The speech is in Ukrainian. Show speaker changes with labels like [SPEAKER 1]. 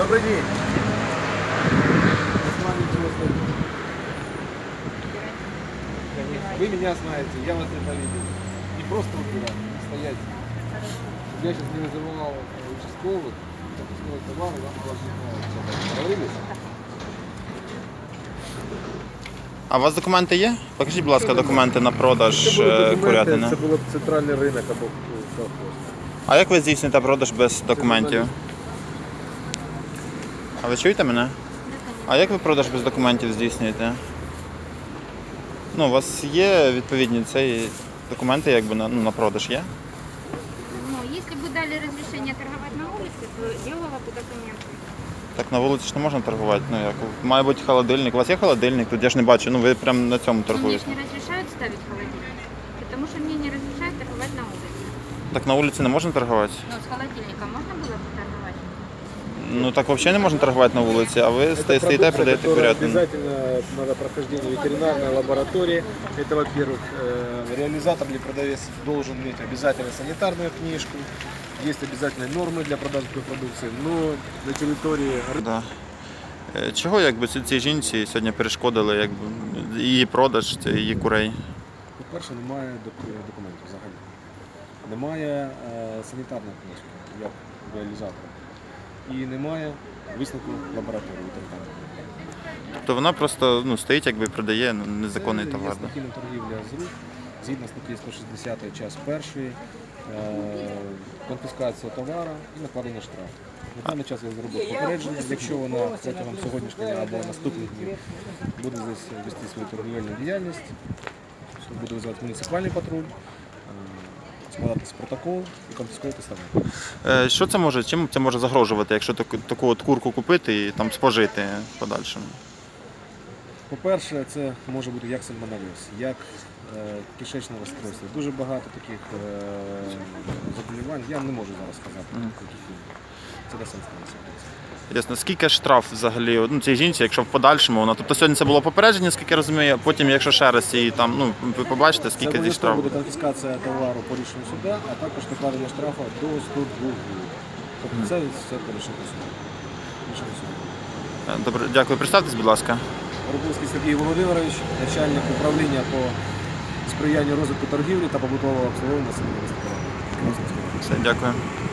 [SPEAKER 1] Добрый день. Вы меня знаете, я вас это видел. Не просто выбирать, не стоять. Я сейчас не вызывал участковых, пропускной товар, вам положительно. Договорились?
[SPEAKER 2] А у вас документи є? Покажіть, будь ласка, документи на продаж курятини.
[SPEAKER 1] Це було б центральний ринок або колхоз.
[SPEAKER 2] А як ви здійсните продаж без документів? А ви чуєте мене? А як ви продаж без документів здійснюєте? Ну, у вас є відповідні ці документи якби на продаж є?
[SPEAKER 3] Ну, если бы дали разрешение торговать на улице, то делала бы документы.
[SPEAKER 2] Так на вулиці ж не можна торгувати. Ну, як? Має бути холодильник. У вас є холодильник? Тут я ж не бачу. Ну ви прямо на цьому
[SPEAKER 3] Но мне
[SPEAKER 2] торгуєте.
[SPEAKER 3] ж не разрешают ставить холодильник, потому что мне не разрешают торговать на улице.
[SPEAKER 2] Так на вулиці не можна торгувати?
[SPEAKER 3] Но с холодильником можно было бы торговать?
[SPEAKER 2] Ну так взагалі не можна торгувати на вулиці, а ви стоїте і продаєте курятину.
[SPEAKER 1] Обязательно надо прохождение ветеринарной лаборатории. Это, во-первых, реализатор или продавец должен иметь обязательно санитарную книжку. Есть обязательные нормы для продажи такой продукции, но на территории
[SPEAKER 2] Да. Чого якби цій жінці сьогодні перешкодили якби, її продаж, її курей?
[SPEAKER 1] по-перше, немає документів взагалі. Немає санітарної книжки, як реалізатора. І немає висновку лабораторії ветеринарної.
[SPEAKER 2] То вона просто стоїть якби і продає незаконний товар.
[SPEAKER 1] Є стихійна торгівля з рук, згідно статті 160 час 1, конфіскація товару і накладення штрафу. На даний час я зробив попередження, якщо вона протягом сьогоднішнього або наступних днів буде здесь вести свою торгівельну діяльність, то буде визивати муніципальний патруль, складатися протокол і конфісковувати товар.
[SPEAKER 2] Що це може, чим це може загрожувати, якщо таку от курку купити і там спожити в подальшому?
[SPEAKER 1] По-перше, це може бути як сальмонельоз, як кишечне розстройство. Дуже багато таких заболівань. Я не можу зараз сказати, яких це до сенсу.
[SPEAKER 2] Ясно. Скільки штраф взагалі цій жінці, якщо в подальшому вона? Тобто сьогодні це було попередження, скільки я розумію, а потім, якщо ще раз її там, ви побачите, скільки зі штрафу
[SPEAKER 1] буде конфіскація товару по рішенню суда, а також накладення штрафу до 102 гривень. Тобто це все по рішенню суду.
[SPEAKER 2] Добре, дякую. Представтесь, будь ласка.
[SPEAKER 1] Горбовський Сергій Володимирович, начальник управління по сприянню розвитку торгівлі та побутового обслуговування населення міста.
[SPEAKER 2] Все, дякую.